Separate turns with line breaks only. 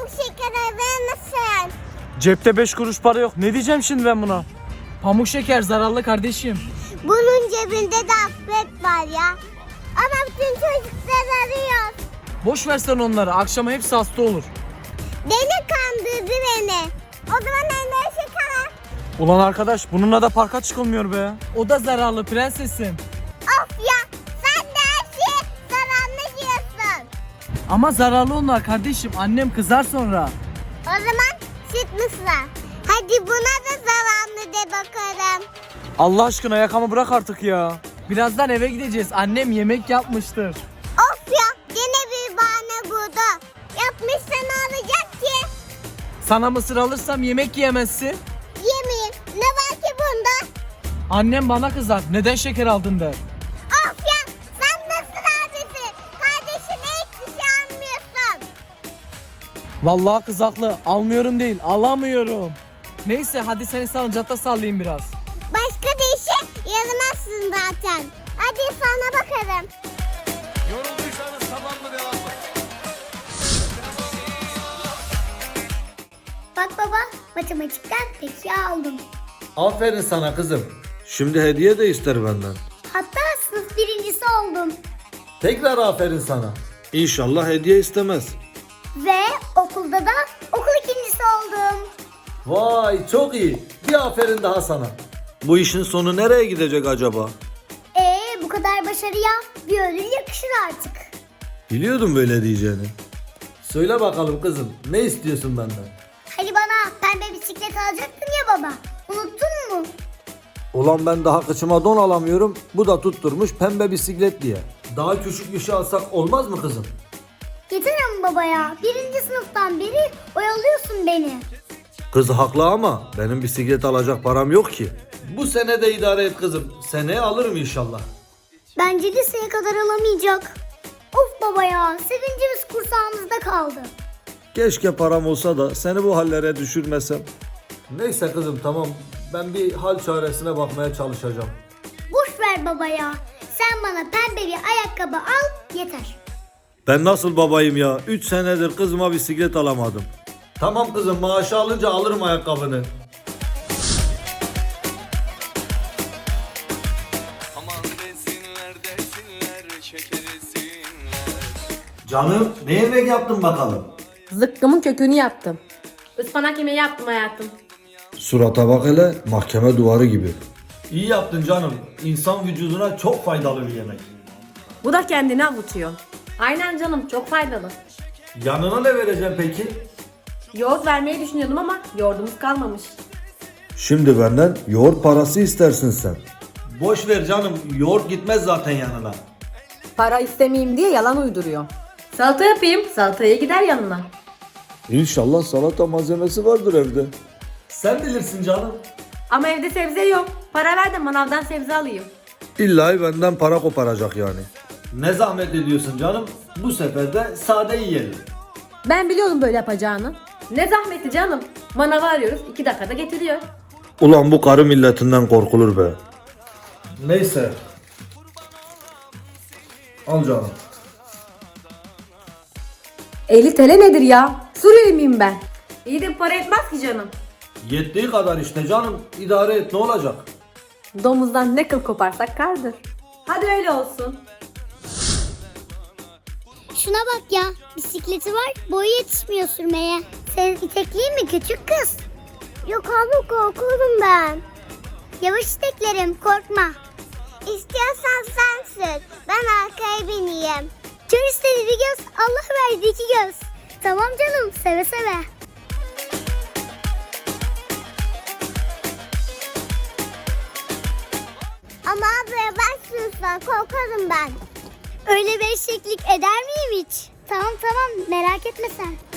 şeker verir misin?
Cepte 5 kuruş para yok. Ne diyeceğim şimdi ben buna? Pamuk şeker zararlı kardeşim.
Bunun cebinde de afret var ya. Ama bütün çocuklar arıyor.
Boş versen onları. Akşama hepsi hasta olur.
Beni kandırdı beni. O zaman ne şeker?
Ulan arkadaş bununla da parka çıkılmıyor be. O da zararlı prensesim.
Of ya, sen de her şeyi zararlı diyorsun.
Ama zararlı onlar kardeşim. Annem kızar sonra.
O zaman süt mısır. Hadi buna da zararlı de bakalım.
Allah aşkına yakamı bırak artık ya. Birazdan eve gideceğiz. Annem yemek yapmıştır.
Of ya, yine bir bahane buldu. Yapmışsa ne olacak ki?
Sana mısır alırsam yemek yiyemezsin.
Yemeyin. Ne var ki bunda?
Annem bana kızar. Neden şeker aldın der.
Of ya, sen nasıl abisin? Kardeşine hiçbir şey almıyorsun.
Vallahi kız haklı. Almıyorum değil. Alamıyorum. Neyse hadi seni salıncakta sallayayım biraz.
Başka bir işe yaramazsın zaten. Hadi sana bakalım.
Yorulduysanız tamam mı, devam mı?
Bak baba, matematikten peki aldım.
Aferin sana kızım. Şimdi hediye de ister benden.
Hatta sınıf birincisi oldum.
Tekrar aferin sana. İnşallah hediye istemez.
Ve okulda da okul ikincisi oldum.
Vay çok iyi. Bir aferin daha sana. Bu işin sonu nereye gidecek acaba?
Bu kadar başarıya bir ödül yakışır artık.
Biliyordum böyle diyeceğini. Söyle bakalım kızım, ne istiyorsun benden?
Hani bana pembe bisiklet alacaktın ya baba. Unuttun mu?
Ulan ben daha kıçıma don alamıyorum. Bu da tutturmuş pembe bisiklet diye. Daha küçük bir şey alsak olmaz mı kızım?
Yeter ama baba ya. Birinci sınıftan beri oyalıyorsun beni.
Kız haklı ama benim bisiklet alacak param yok ki. Bu sene de idare et kızım. Seneye alırım inşallah.
Bence liseye kadar alamayacak. Of baba ya. Sevincimiz kursağımızda kaldı.
Keşke param olsa da seni bu hallere düşürmesem. Neyse kızım tamam. Ben bir hal çaresine bakmaya çalışacağım.
Boş ver baba ya. Sen bana pembe bir ayakkabı al yeter.
Ben nasıl babayım ya? 3 senedir kızıma bisiklet alamadım. Tamam kızım, maaşı alınca alırım ayakkabını.
Aman desinler şeker desinler.
Canım ne yemek yaptın bakalım?
Zıkkımın kökünü yaptım. Ispanak yemeği yaptım hayatım.
Surata bak hele, mahkeme duvarı gibi. İyi yaptın canım. İnsan vücuduna çok faydalı bir yemek.
Bu da kendini avutuyor. Aynen canım, çok faydalı.
Yanına ne vereceğim peki?
Yoğurt vermeyi düşünüyordum ama yoğurdumuz kalmamış.
Şimdi benden yoğurt parası istersin sen. Boş ver canım, yoğurt gitmez zaten yanına.
Para istemeyeyim diye yalan uyduruyor. Salata yapayım, salataya gider yanına.
İnşallah salata malzemesi vardır evde. Sen bilirsin canım.
Ama evde sebze yok. Para ver de manavdan sebze alayım.
İlla benden para koparacak yani. Ne zahmet ediyorsun canım? Bu sefer de sade yiyelim.
Ben biliyordum böyle yapacağını. Ne zahmeti canım. Manavı arıyoruz, 2 dakikada getiriyor.
Ulan bu karı milletinden korkulur be. Neyse. Al canım.
50 TL nedir ya? Suriyeli miyim ben? İyi de para etmez ki canım.
Yettiği kadar işte canım. İdare et, ne olacak?
Domuzdan ne kıl koparsak kardır. Hadi öyle olsun.
Şuna bak ya. Bisikleti var. Boyu yetişmiyor sürmeye. Sen itekleyin mi küçük kız? Yok abi korkuyorum ben. Yavaş iteklerim korkma. İstiyorsan sen sür. Ben arkaya bineyim. Kör istedi bir göz. Allah verdi iki göz. Tamam canım seve seve. Ama ablaya ben sürsen korkarım ben. Öyle bir eşeklik eder miyim hiç? Tamam merak etme sen.